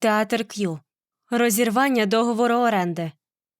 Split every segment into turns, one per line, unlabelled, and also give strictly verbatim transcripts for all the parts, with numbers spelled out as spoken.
Театр К'ю. Розірвання договору оренди.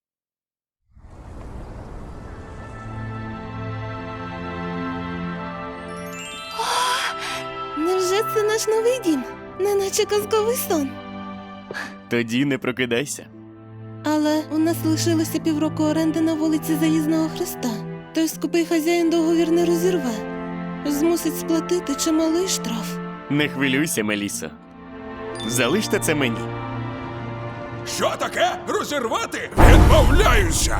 Невже це наш новий дім? Неначе казковий сон.
Тоді не прокидайся.
Але у нас лишилося півроку оренди на вулиці Заїзного Хреста. Той скупий хазяїн договір не розірве. Змусить сплатити чималий штраф.
Не хвилюйся, Мелісо. Залиште це мені.
Що таке? Розірвати? Відмовляюся!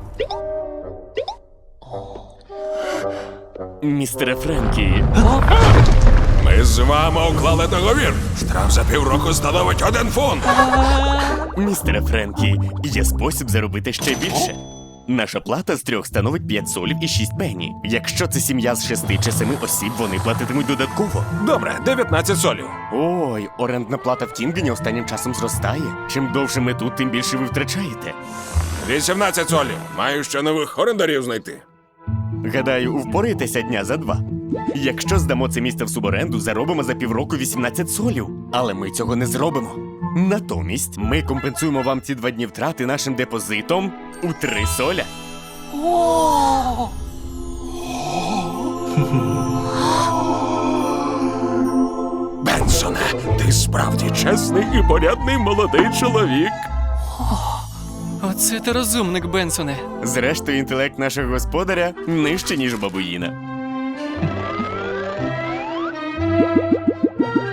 Містере Френкі,
Ми з вами уклали договір. Штраф за півроку становить один фунт.
містере Френкі, є спосіб заробити ще більше. Наша плата з трьох становить п'ять солів і шість пені. Якщо це сім'я з шести чи семи осіб, вони платитимуть додатково.
Добре, дев'ятнадцять солів.
Ой, орендна плата в Тінгені останнім часом зростає. Чим довше ми тут, тим більше ви втрачаєте.
вісімнадцять солів. Маю ще нових орендарів знайти.
Гадаю, впораєтеся дня за два. Якщо здамо це місце в суборенду, заробимо за півроку вісімнадцять солів. Але ми цього не зробимо. Натомість ми компенсуємо вам ці два дні втрати нашим депозитом у три соля.
Бенсоне, ти справді чесний і порядний молодий чоловік.
Оце ти розумник, Бенсоне.
Зрештою, інтелект нашого господаря нижче, ніж бабуїна.